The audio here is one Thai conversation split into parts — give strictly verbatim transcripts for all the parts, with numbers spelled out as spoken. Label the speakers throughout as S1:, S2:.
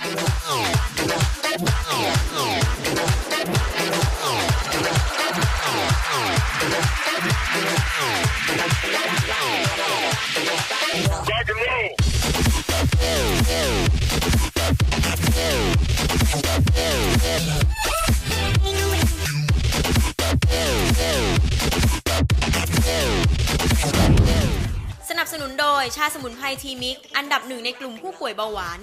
S1: สนับสนุนโดยชาสมุนไพรทีมิกอันดับหนึ่งในกลุ่มผู้ป่วยเบาหวาน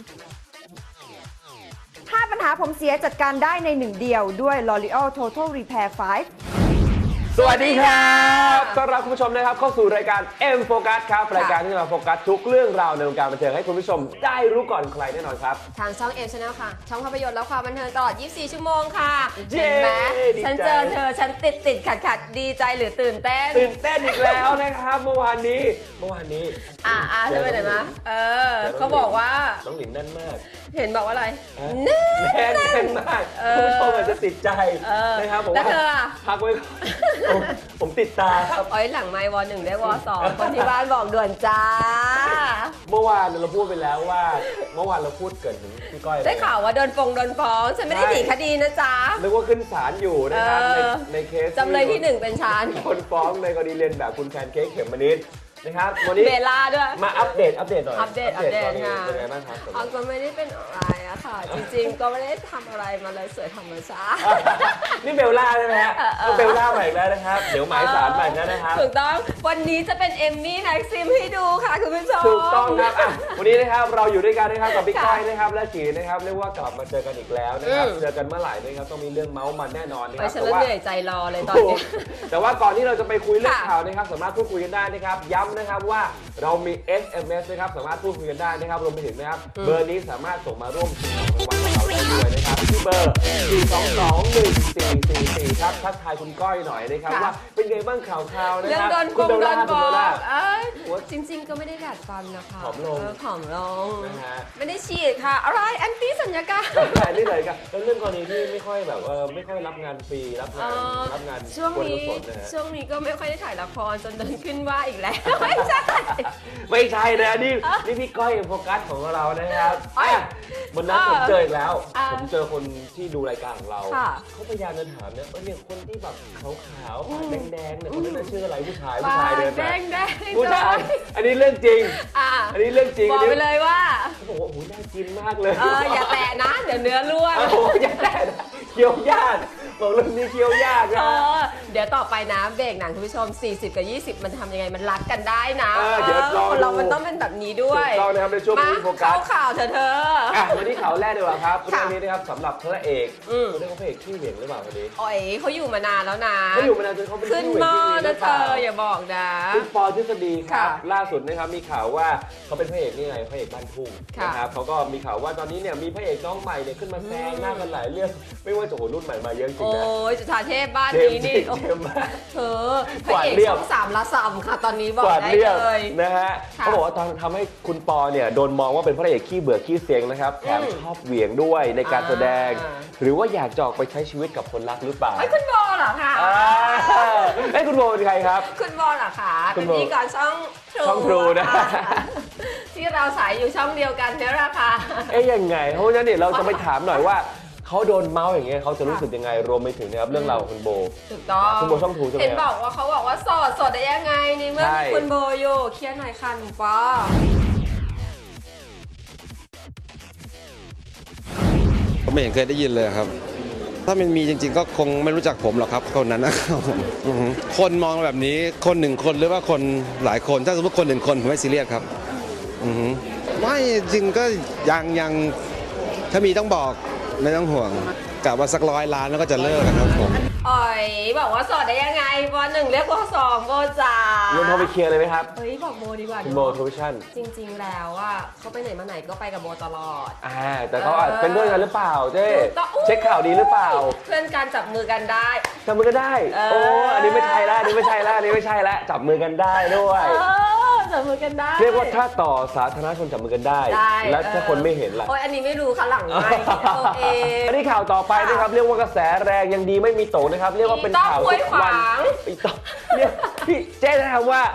S2: ห้าปัญหาผมเสียจัดการได้ในหนึ่งเดียวด้วย L'Oreal Total Repair ไฟว์
S3: สวัสดีครับต้อนรับคุณผู้ชมนะครับเข้าสู่รายการ M Focus ครับรายการที่จะมาโฟกัสทุกเรื่องราวในวงการบันเทิงให้คุณผู้ชมได้รู้ก่อนใครแน่นอนครับ
S4: ทางช่อง M Channel ค่ะช่องภาพยนตร์และความบันเทิงตลอดยี่สิบสี่ชั่วโมงค่ะ
S3: เย้
S4: เห็นไหม
S3: ดีใจ
S4: ฉันเจอเธอฉันติดติดขัดขัดดีใจหรือตื่นเต้น
S3: ตื่นเต้นอีกแล้วนะครับเมื่อวานนี้เมื่อวานนี้
S4: อ่าอ่าเธอไปไหนมาเออเขาบอกว่า
S3: น้องหลินแน่นมาก
S4: เห็นบอกว่าอะไร
S3: แน่นแน่นแน่นมากคุณผู้ชมอาจจะติดใจนะครับผม
S4: แล้ว
S3: ว่า
S4: เธออะ
S3: พักไว้ก่อนผมผมติดตาครับ
S4: อ้อยหลังไมค์วอหนึ่งได้วอสองคนที่บ้านบอกด่วนจ้า
S3: เมื่อวานเราพูดไปแล้วว่าเมื่อวานเราพูดเกิดถึงพี่ก้อย
S4: ได้ข่าวว่าโดนฟงโดนฟ้องฉันไม่ได้หนีคดีนะจ๊ะ
S3: นึกว่าขึ้นศาลอยู่นะครับในในเคส
S4: จำเลยที่หนึ่งเป็นฉัน
S3: คนฟ้องในกรณีเรียนแบบคุณแพนเค้กเขมมณิชนะครับวันนี้
S4: เบลล่าด้วย
S3: มาอัปเดตอัปเดตหน่อย
S4: อัปเดตอัปเดต
S3: ตนนี้
S4: ค่ะ
S3: เป็นไงบ้างครับ
S4: อ๋อก็ไม่ได้เป็นอะไรอะค่ะ จริงๆ ก็ไม่ได้ทำอะไรมาเลยสวยธรรมชาติ
S3: นี่เบลล่าใช่ไหมฮะ
S4: เออเออ
S3: เบลล่าใหม่อีกแล้วนะครับเดี๋ยวหมายสารใหม่แล้วนะครับ
S4: ถูกต้องวันนี้จะเป็นเอมมี่แม็กซิมให้ดูค่ะคุณผู้ชม
S3: ถูกต้องครับอ่ะวันนี้นะครับเราอยู่ด้วยกันนะครับกับพี่
S4: ค่ะ
S3: ก้อยนะครับและจีนะครับเรียกว่ากลับมาเจอกันอีกแล้วนะครับ
S4: อืม
S3: เจอกันเมื่อไหร่นะครับต้องมีเรื่องเมาส์มันแน่นอนนะค
S4: ไป
S3: รับ
S4: ฉัน
S3: แต่
S4: ละ
S3: ว่า
S4: เหนื่อยใจรอเลยตอนนี้
S3: แต่ว่าก่อนที่เราจะไปคุยเรื่อง
S4: ค่ะ
S3: ข่าวนะครับสามารถพูดคุยกันได้นะครับย้ำนะครับว่าเรามี เอส เอ็ม เอส นะครับสามารถพูดคุยกันได้นะครับรวมไปถึงนะครับเบอร์นี้สามารถส่งมาร่วมชิงของรางวัลกับเราได้ด้วยนะครับที่เบอร์สี่ สอง สอง หนึ่ง สี่ สี่ สี่ครับทักทายคุณก้อยหน่อยนะครับ
S4: ค่ะ
S3: ว่าเป็นไงบ้างข่าวข่าวๆนะ
S4: เรื่อง
S3: ครับ
S4: โดน
S3: คุ
S4: ก
S3: ณ
S4: ง
S3: เบล
S4: โด
S3: ล่าน
S4: บ
S3: คุณ
S4: อ
S3: เบลล่าก
S4: เอ้ยจริง ๆ ก็ไม่ได้ดัดฟันนะคะ
S3: ผอมลง
S4: เออผอมลง
S3: นะฮะ
S4: ไม่ได้ฉีดค่ะ อะไรแอนตี้สัญญากรรม
S3: แต่นี่เลยครับแล้วเรื่องกรณีที่ไม่ค่อยแบบเออไม่ค่อยรับงานฟรีรับงาน
S4: เออ
S3: รับงาน
S4: ช่วง
S3: กวน
S4: นี้
S3: กุศลนะฮะ
S4: ช่วงนี้ก็ไม่ค่อยได้ถ่ายละครจนเดินขึ้นว่าอีกแล้ว ไม่ใช่
S3: ไม่ใช่นะนี่นี่พี่ก้อยโฟกัสของเรานะครับ
S4: เอ้ย
S3: อ่ะวันนั้นผมเจออีกแล้ว
S4: อ่า
S3: ผมเจอคนที่ดูรายการของเรา
S4: ค่ะ
S3: เขาพยายามจะถามเนี่ยเออเนี่ยคนที่แบบขาวๆปากแดงๆเนี่ยคนนั้นนะชื่ออะไรผู้ชายผู้
S4: ปา
S3: ชาย
S4: ก
S3: เดิน
S4: แด
S3: มาง
S4: แดง
S3: ผู้ชายอันนี้เรื่องจริง
S4: อ่ะ
S3: อันนี้เรื่องจริง
S4: บอกไปเลยว่า
S3: เขาบอกว่าโอ้โหน่ากินมากเลย
S4: เอออย่าแตะนะ เดี๋ยวเนื้อร่วง
S3: โอ้โหอย่าแตะนะเคี้ยวยากบอกเรื่องนี้เคี้ยวยาก
S4: เอ
S3: นะ
S4: อเดี๋ยวต่อไปนะเบรกหนังคุณผู้ชม สี่สิบ กับ ยี่สิบ มันทำยังไงมันรักกันได้นะ
S3: เออเดี๋ยวรอ
S4: คนเรา
S3: ดู
S4: มันต้องเป็นแบบนี้ด้วย
S3: ถูกต้องนะครับในช่วง
S4: มา
S3: นี้โฟกัส
S4: เข้าข่าวเธอะเธอ
S3: อ่ะวันนี้ข่าวแรกดีกว่าครับ
S4: ค่ะ
S3: เรื่องนี้นะครับสำหรับพระเอก
S4: อืม
S3: เขาเรียกว่าพระเอกขี้เหวี่ยงหรือเปล่าวันนี้
S4: อ๋อยเขาอยู่มานานแล้วนะ
S3: เขาอยู่มานานจนเขาเป็น
S4: ขึ้น
S3: ขี้เหวี่
S4: ห
S3: ยง
S4: ม้อ
S3: ที่ดีหรื
S4: นะ
S3: อ
S4: เธ
S3: เปล่า
S4: ออย่าบอกนะ
S3: คุณปอทฤษฎีครับ
S4: ค่ะ
S3: ล่าสุดนะครับมีข่าวว่าเขาเป็นพระเอกนี่ไงพระเอกบ้านทุ่ง
S4: ค่ะ
S3: นะครับเขาก็มีข่าวว่าตอนนี้เนี่ยมีพระเอกน้องใหม่เนี่ยขึ้นมาแซงหน้ากันหลายเรื่องไม่ว่าจะโหรุ่นใหม่มาเยอะจริง
S4: โอ้
S3: นะ
S4: ยจุฑาเทพบ้าน
S3: เจม
S4: นี้
S3: ส์
S4: นี่
S3: จิ
S4: โอ้
S3: เจมส์มาก
S4: เธอพระเอก
S3: กวาดเรียบ
S4: ช่องสามละสามค่ะ ตอนนี้บอก
S3: กวาด
S4: ได้
S3: เรียบ
S4: เลย
S3: นะฮะ
S4: ค่ะ
S3: เขาบอกว่าตอนทำให้คุณปอเนี่ยโดนมองว่าเป็นพระเอกขี้เบื่อขี้เสียงนะครับแถม
S4: อืม
S3: ชอบเหวี่ยงด้วยในการแสดง
S4: อ่า
S3: หรือว่าอยากจะออกไปใช้ชีวิตกับคนรักหรือเปล่า
S4: ไอ้ยคุณบอลเหรอคะ
S3: อ่าเอ้ยคุณโบเป็นใครครับ
S4: คุณบอลเหรอคะ
S3: คุ
S4: เป็
S3: ณ
S4: น
S3: โบ
S4: พิธีกรช่อง
S3: ช่อง True นะ
S4: ที่เราสายอยู่ช่องเดียวกันเนี่ยแหละค่ะ
S3: เอ๊ยยังไง เพราะฉะนั้นเนี่ยเราจะไปถามหน่อยว่าเขาโดนเมาส์อย่างเงี้ยเขาจะรู้สึกยังไงรวมไปถึงนะครับเรื่องราวของคุณโบ
S4: ถูกต้อง
S3: คุณโบช่อง True ใช่ไหม
S4: เห็นบอกว่าเขาบอกว่าโสดโสดได้ยังไงในเมื่อ
S3: ใช่
S4: มีคุณโบอยู่เคลียร์หน่อยค่ะหนุ่มปอ
S5: ผมไม่เห็นเคยได้ยินเลยครับ ถ้ามันมีจริงๆ ก็คงไม่รู้จักผมหรอกครับคนนั้นนะครับผมอือฮึคนมองแบบนี้คนหนึ่งคนหรือว่าคนหลายคนถ้าสมมติคนหนึ่งคนผมไม่ซีเรียสครับอือฮึไม่จริงก็ยังยังถ้ามีต้องบอกไม่ต้องห่วงกะว่าสักร้อยล้านแล้วก็จะเลิกนะครับผม
S4: อ๋อยบอกว่าโสดได้ยังไงวอหนึ่งเรียกวอสองโบจ๋า
S3: เรื่องโทรไปเคลียร์เลยไหมครับ
S4: เฮ้ยบอกโบดีกว่า
S3: คุณโบโทรวิชั่น
S4: จริงๆแล้วอ่ะเขาไปไหนมาไหนก็ไปกับโบตลอด
S3: อ่าแต่เขาอาจเป็นเพื่อนกันหรือเปล่าเจ๊
S4: ถูกต้อง
S3: เช็คข่าวดีหรือเปล่า
S4: เพื่อนการจับมือกันได้
S3: จับมือกันได้
S4: เออ
S3: โอ้อันนี้ไม่ใช่ละอันนี้ไม่ใช่ละอันนี้ไม่ใช่ละจับมือกันได้ด้วย
S4: เออจับมือกันได้
S3: เรียกว่าถ้าต่อสาธารณชนจับมือกันได้
S4: ได้
S3: แล้วถ้าคนไม่เห็นล่ะ
S4: โอ้ยอันนี้ไม่รู้ค่ะหลังไม่โอเค
S3: อันนี้ข่าวต่อไปนะครับเรียกว่ากระแสแรงยังดีไม่มีโตนะครับเรียกว่าเป็นข่าว
S4: อีต้อมห้วยขวาง
S3: อีต้อมเรียกพี่เจ๊นะครับว่า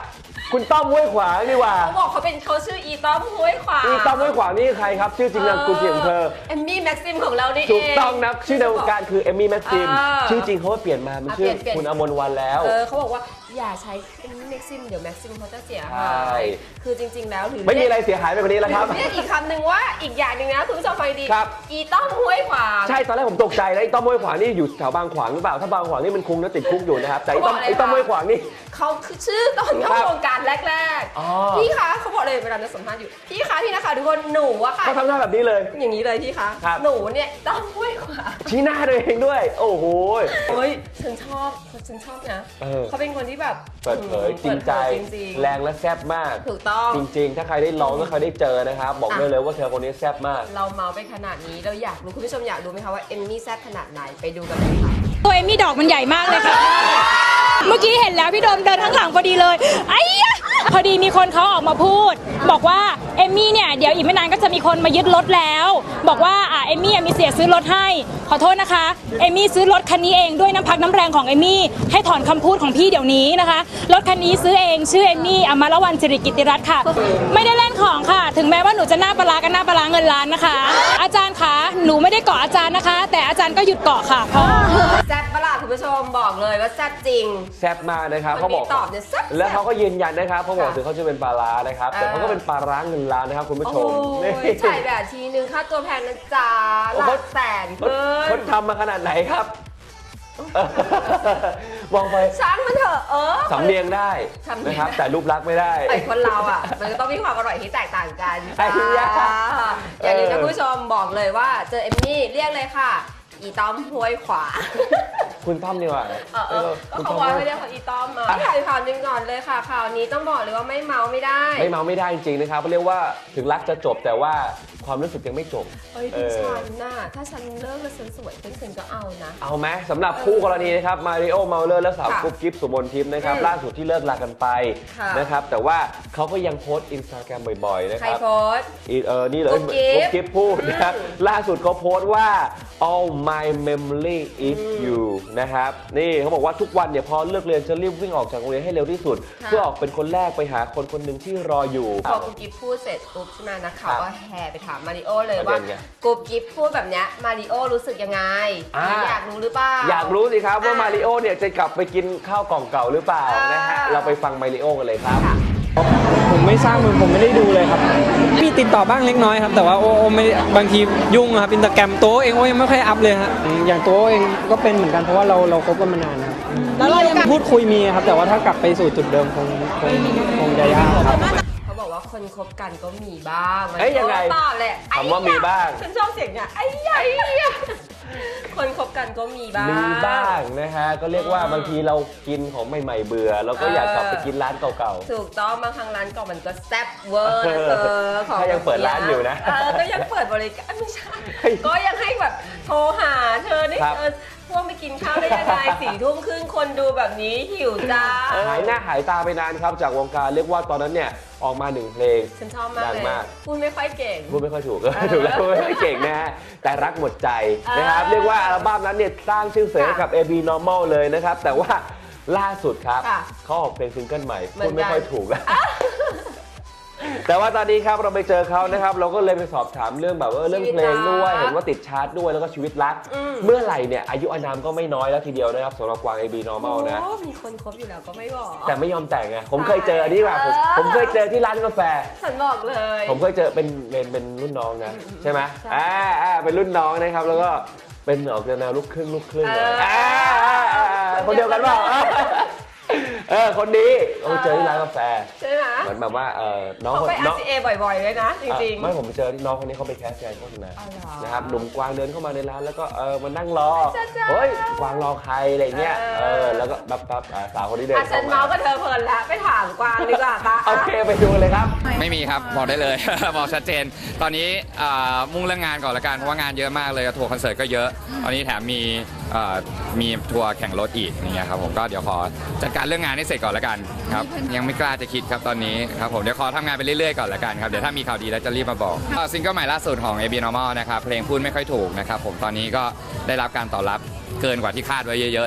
S3: คุณต้อมห้วยขวางดีกว่า
S4: เขาบอกเขาเป็นเขาชื่ออีต้อมห้วยขวาง
S3: อีต้อมห้วยขวางนี่ใครครับชื่อจริงนามสกุลจริงของเธอ
S4: เอมมี่แม็กซิมของเรานี่เอง
S3: ถูกต้องนะชื่อในวงการคือเอมมี่แม็กซิม
S4: เออ
S3: ชื่อจริงเขาเปลี่ยนมามันชื่อ
S4: เปลี่ยนเปลี่ยน
S3: คุณอมรวรรณแล้ว
S4: เออเขาบอกว่าอย่าใช้เอมมี่แม็กซิมเดี๋ยวแม็กซิมเขาจะเสีย
S3: ใช่
S4: หายคือจริง ๆ แล้วหรือ
S3: ไม่มีอะไรเสียหายไปกว่านี้แล้วครับ
S4: เรียกอีกคำหนึ่งว่าอีกอย่างหนึ่งนะคุณผู้ชมฟังดี
S3: ครับ
S4: อีต้อมห้วยขวาง
S3: ใช่ตอนแรกผมตกใจแล้วไอ้ต้อมห้วยขวางนี่อยู่แถวบางขวางหรือเปล่าถ้าบางขวางนี่มันคงจะติดคุกอยู่นะครับแต่ไอ้ต้อม
S4: เขาบอกอะไร
S3: ไอ้ต้อม
S4: คะ
S3: ห้วยขวางนี่
S4: เขาคือชื่อตอนเข้า
S3: ครับ
S4: วงการแรก
S3: อ๋อ
S4: ๆพี่คะเขาบอกเลยเวลาเราสัมภาษณ์อยู่พี่คะพี่นะคะทุกคนหนูอะค่ะ
S3: เขาทำหน้าแบบนี้เลย
S4: อย่างนี้เลยพี่คะ
S3: ครับ
S4: หนูเนี่ยต้อมห้วยขวาง
S3: ชี้หน้าตัวเองด้วย โอ้โห
S4: เฮ้ยฉันชอบฉันชอบนะ
S3: เออ
S4: เขาเป็นคนที่แบบ
S3: เปิดเผยจริงใจ
S4: เปิดเผยจริงๆ
S3: แรงและแซ่บมาก
S4: ถูกต้อง
S3: จริงๆ ถ้าใครได้ลองถ้าใครได้เจอนะครับ บอกได้เลยว่าเธอคนนี้แซ่บมาก
S4: เราเมาไปขนาดนี้เราอยากรู้คุณผู้ชมอยากรู้ไหมคะว่าเอมมี่แซ่บขนาดไหนไปดูกันเลยค่ะ
S6: ตัวเอมมี่ดอกมันใหญ่มากเลยค่ะ เมื่อกี้เห็นแล้วพี่โดมเดินข้างหลังพอดีเลยไอ้ยะพอดีมีคนเขาออกมาพูด บอกว่าเอมมี่เนี่ยเดี๋ยวอีกไม่นานก็จะมีคนมายึดรถแล้ว บอกว่าอ่าเอมมี่มีเสียซื้อรถให้ขอโทษนะคะเอมมี่ซื้อรถคันนี้เองด้วยน้ำพักน้ำแรงของเอมมี่ให้ถอนคำพูดของพี่เดี๋ยวนี้นะคะรถคันนี้ซื้อเองชื่อเอมมี่อมรวรรณสิริกิตติรัตน์ค่ะ ไม่ได้เล่นของค่ะ ถึงแม้ว่าหนูจะหน้าปลาร้ากันหน้าปลาร้าเงินล้านนะคะ อาจารย์คะหนูไม่ได้เกาะอาจารย์นะคะ แต่อาจารย์ก็หยุดเกาะค่ะพอ
S4: แซ่บประหลาดคุณผู้ชมบอกเลยว่าแซ่บจริง
S3: แซ่บมากนะครับ
S4: คน
S3: เขาบอก
S4: นี้ตอบเนี่ยแซ่บ
S3: แล้วเขาก็ยืนยันนะครับเขาบอก
S4: ค่ะ
S3: ถึงเขาจะเป็นปลาร้านะครับ แต่
S4: เออ
S3: เขาก็เป็นปลาร้าเงินล้านนะครับคุณผู้ช
S4: โอ้
S3: ม
S4: ยถ่ายแบบทีนึงค่าตัวแพงนะจ๊ะหลักแสน
S3: เขา
S4: เกิ
S3: เขา
S4: น
S3: ทำมาขนาดไหนครับเออมองไป
S4: ช้างมันเถอะเออ
S3: สำเนียงได้
S4: สำเนียง
S3: นะครับ แต่รูปลักษณ์ไม่ได้
S4: ไอ้คนเราอ่ะ มันก็ต้องมีความอร่อยที่แตกต่างกัน
S3: ไอ้ยะ
S4: จ้าอย่างนี้นะ
S3: เออ
S4: คุณผู้ชมบอกเลยว่าเจอเอมมี่เรียกเลยค่ะ อีต้อมห้วยขวา
S3: คุณต้อมดีกว่า
S4: เออเออก็
S3: คุณ
S4: เขา
S3: ต้อม
S4: ว่าไม่เรียกเขาอีต้อมมาถ่ายข่าวหนึงก่อนเลยค่ะข่าวนี้ต้องบอกเลยว่าไม่เมาไม่ได้
S3: ไม่เมาไม่ได้จริงๆนะครับเรียกว่าถึงรักจะจบแต่ว่าความรู้สึกยังไม่จบ
S4: เฮ้ย
S3: เอ
S4: พี่
S3: อ
S4: ฉันน่ะถ้าฉันเลิกแล้วฉันสวยขึ้นฉันก็เอานะ
S3: เอาไหมสำหรับคู่กรณีนะครับมาริโอเมาเลอร์และสาว
S4: ค่ะ
S3: กุ๊บกิ๊บสุมนทิพย์นะครับ
S4: อืม
S3: ล่าสุดที่เลิกลากันไป
S4: ค่ะ
S3: นะครับแต่ว่าเขาก็ยังโพสต์อินสตาแกรมบ่อยๆนะ
S4: ใค
S3: ค
S4: ร
S3: รับ
S4: โพสต์
S3: อีเออนี่เลย
S4: กุ๊บกิ๊บ
S3: กุ๊บกิ๊บพูดนะครับ
S4: อืม
S3: ล่าสุดเขาโพสต์ว่า all my memory is you นะครับนี่เขาบอกว่าทุกวันเนี่ยพอเลิกเรียนจะรีบวิ่งออกจากโรงเรียนให้เร็วที่สุด
S4: ค่ะ
S3: เพื่อออกเป็นคนแรกไปหาคนคนหนึ่งที่รออยู่
S4: พอกุ๊บกิ๊บพูดเสร็จปุ๊บใช่ไหมนักข่าว
S3: ครับ
S4: ก็แห่ไปถามมาริโอเลย
S3: ประ
S4: ว่า
S3: เด็นไง
S4: กุ๊บกิ๊บพูดแบบเนี้ยมาริโอรู้สึกยังไง
S3: อ่า
S4: อยากรู้หรือเปล่า
S3: อยากรู้สิครับว่า
S4: อ่ะ
S3: มาริโอเนี่ยจะกลับไปกินข้าวกล่องเก่าหรือเปล่า
S4: อ่าน
S3: นะฮะเราไปฟังมาริโอกันเลยครับ
S4: ค่ะ
S7: ผมไม่ทราบผมผมไม่ได้ดูเลยครับ มีติดต่อบ้างเล็กน้อยครับ แต่ว่าโอโอไม่ได้บางทียุ่งอะครับอินสตาแกรมตัวเองโอยังไม่ค่อยอัพเลยฮะอืมอย่างตัวเองก็เป็นเหมือนกันเพราะว่าเราเราคบกันมานานครับแล้วเรายังพูดคุยมีครับ แต่ว่าถ้ากลับไปสู่จุดเดิมคงคงคงจะยากครับ
S4: เขาบอกว่าคนคบกันก็มีบ้างมัน
S3: เอ้ยยังไง
S4: ตอบแหละ
S3: คำว่ามีบ้าง
S4: ฉันชอบเสียงเนี่ยไอ้ใหญ่คนคบกันก็มีบ้าง
S3: มีบ้างนะฮะก็เรียกว่าบางทีเรากินของใหม่ๆเบื่อเราก็อยากกลับไปกินร้านเก่า
S4: ถูกต้องบางครั้งร้านเก่ามันก็แซ่บเวอร์นะเธอของ
S3: ถ้ายังเปิดร้านอยู่นะ
S4: เออก็ยังเปิดบริการไม่ใช่
S3: เฮ้ย
S4: ก็ยังให้แบบโทรหาเธอได้
S3: ครับ
S4: เออพวกไปกินข้าวได้ยังไงสี่ทุ่มครึ่งคนดูแบบนี้หิวจ้า
S3: ๆหายหน้าหายตาไปนานครับจากวงการเรียกว่าตอนนั้นเนี่ยออกมาหนึ่งเพลง
S4: ฉันชอบมาก
S3: ดัง
S4: เลย
S3: มาก
S4: พูดไม่ค่อยเก่ง
S3: พูดไม่ค่อยถูก ถูกแล้วพูดไม่ค่อยเก่งนะฮะแต่รักหมดใจนะครับ
S4: เออ
S3: เรียกว่าอัลบั้มนั้นเนี่ยสร้างชื่อเสียงให้
S4: ค่ะ
S3: กับ เอ บี Normal เลยนะครับแต่ว่าล่าสุดครับ
S4: ค่ะ
S3: เขาออกเพลงซิงเกิลใหม่
S4: เหมื
S3: พู
S4: อ
S3: ด
S4: นกัน
S3: ไม่ค่อยถูก แต่ว่าตอนนี้ครับเราไปเจอเขานะครับเราก็เลยไปสอบถามเรื่องแบบว่าเรื่องเพลงด้วยเห็นว่าติดชาร์ตด้วยแล้วก็ชีวิตรัก
S4: อืม
S3: เมื่อไหร่เนี่ยอายุอานามก็ไม่น้อยแล้วทีเดียวนะครับสำหรับกวาง เอ บี Normal นะ
S4: โอ้มีคนคบอยู่แล้วก็ไม่บอก
S3: แต่ไม่ยอมแต่งไงผมเคยเจออันนี้ว่ะผม
S4: เออ
S3: ผมเคยเจอที่ร้านกาแฟ
S4: ฉันบอกเลย
S3: ผมเคยเจอเป็นเป็นเป็นรุ่นน้องนะใช่ไหม
S4: ใช่
S3: อ่าอ่าเป็นรุ่นน้องนะครับแล้วก็เป็นออกแนวลูกครึ่งลูกครึ่งเลย
S4: เอออ่
S3: าอ่าอ่าคนเดียวกันเปล่าเออคนนี้เราเจอที่ร้านกาแฟ
S4: ใช่ไหม
S3: เหมือนแบบว่าเออน้อง
S4: เขา
S3: คน
S4: ไป
S3: น้อง
S4: อาร์ ซี เอ บ่อยๆเลยนะ จริง
S3: ไม่ผมไปเจอน้องคนนี้เขาไปแคสแกนโฆษณา
S4: อ๋อเหรอ
S3: นะครับหนุ่มกวางเดินเข้ามาในร้านแล้วก็เออมานั่งรอ
S4: จ้าจ้า
S3: เฮ้ยกวางรอใครอะไรเงี้ย
S4: เอ
S3: เอ
S4: อ
S3: อแล้วก็ปั๊บปั๊บอ่าสาวคนนี้
S4: ๆ
S3: เดิน
S4: อ่ะฉั
S3: เข้าน มา
S4: เมาส์ก็เธอเพลินแล้วไปถามกวางดีกว่าปะ
S3: โอเคไปดูเลยครับ
S8: ไม่มีครับ บอกได้เลย บอกชัดเจน ตอนนี้อ่ามุ่งเรื่องงานก่อนละกันเพราะว่างานเยอะมากเลยทัวร์คอนเสิร์ตก็เยอะ ตอนนี้แถมมีอ่ามีทัวร์แข่งรถอีกอย่างเงี้ยครับผมก็เดี๋ยวขอจัดการเรื่องงานให้เสร็จก่อนละกันครับยังไม่กล้าจะคิดครับตอนนี้ครับผมเดี๋ยวขอทำงานไปเรื่อยๆก่อนละกันครับเดี๋ยวถ้ามีข่าวดีแล้วจะรีบมาบอกอ่าซิงเกิลใหม่ล่าสุดของ เอ บี Normal นะครับเพลงพูดไม่ค่อยถูกนะครับผมตอนนี้ก็ได้รับการตอบรับเกินกว่าที่คาดไว้เยอะๆแล้ว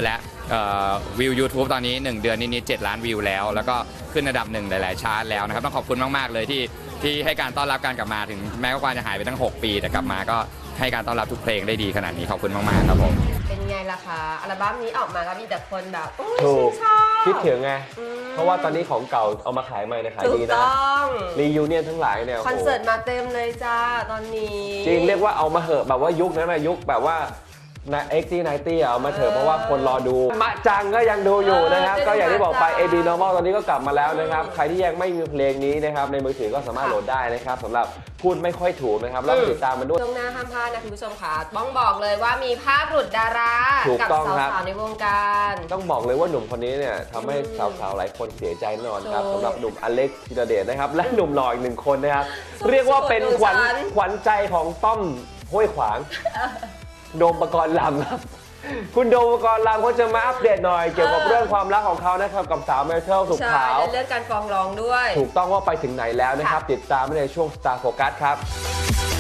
S8: เอ่อวิว YouTube ตอนนี้ หนึ่ง เดือนนิดๆเจ็ดล้านวิวแล้ว แล้วก็ขึ้นอันดับหนึ่งหลายๆชาร์ตแล้วนะครับต้องขอบคุณมากๆเลยที่ที่ให้การต้อนรับการกลับมาถึงแม้ว่ากวางจะหายไปตั้งหกปีแต่กลับมาก็ให้การต้อนรับทุกเพลงได้ดีขนาดนี้ขอบคุณมากๆครับผม
S4: เป็นไงล่ะคะอัลบั้มนี้ออกมาก็มีแต่คนแบบโอ้ย
S3: ถูก
S4: ชื่นชอบ
S3: คิดถึงไง
S4: อืม
S3: เพราะว่าตอนนี้ของเก่าเอามาขายใหม่นะขาย
S4: ถู
S3: ดี
S4: ก
S3: นะ
S4: ต้อง
S3: รียูเนียนทั้งหลายเนี่ย
S4: คอนเสิร์ตมาเต็มเลยจ้าตอนนี้
S3: จริงเรียกว่าเอามาเหอะแบบว่ายุคนั้นนะยุคแบบว่าในเอ็กซ์ตี้ไนตี้เอามาเถอะเพราะว่าคนรอดูมะจังก็ยังดูอยู่นะครับ
S4: เออ
S3: ก็อย่างที่บอกไป
S4: เจ
S3: เอ
S4: อ
S3: บี
S4: มะจัง
S3: Normal ตอนนี้ก็กลับมาแล้วนะครับ ใครที่ยังไม่มีเพลงนี้นะครับในมือถือก็สามารถโหลดได้นะครับสำหรับพูดไม่ค่อยถูกนะครับแล้วก็ติดตามมันด้วย
S4: ช่วงหน้าห้ามพลาดนะคุณผู้ชมค่ะต้องบอกเลยว่ามีภาพหลุดดารา
S3: ถูก
S4: กั
S3: ต้อง
S4: ส
S3: ครับ
S4: าวๆในวงการ
S3: ต้องบอกเลยว่าหนุ่มคนนี้เนี่ยทำให้สาวๆหลายคนเสียใจแน่นอนครับ
S4: ถูก
S3: สำหรับหนุ่มอเล็กซ์ธีรเดชนะครับและหนุ่มหล่ออีกหนึ่งคนนะครับ
S4: สุดๆ
S3: เรียกว่าเป็นขวัญ
S4: ดูฉัน
S3: ขวัญใจของต้อมห้วยขวาง โดมปกรณ์ลำครับ คุณโดมปกรณ์ลำเขาจะมาอัปเดตหน่อยเกี่ยวกับเรื่องความรักของเขานะครับกับสาวเมทัลสุข
S4: ใช่
S3: ขาว
S4: และเรื่องการฟ้องร้องด้วย
S3: ถูกต้องว่าไปถึงไหนแล้วนะครับ
S4: ค่ะ
S3: ติดตามได้ในช่วง Star Focus ครับ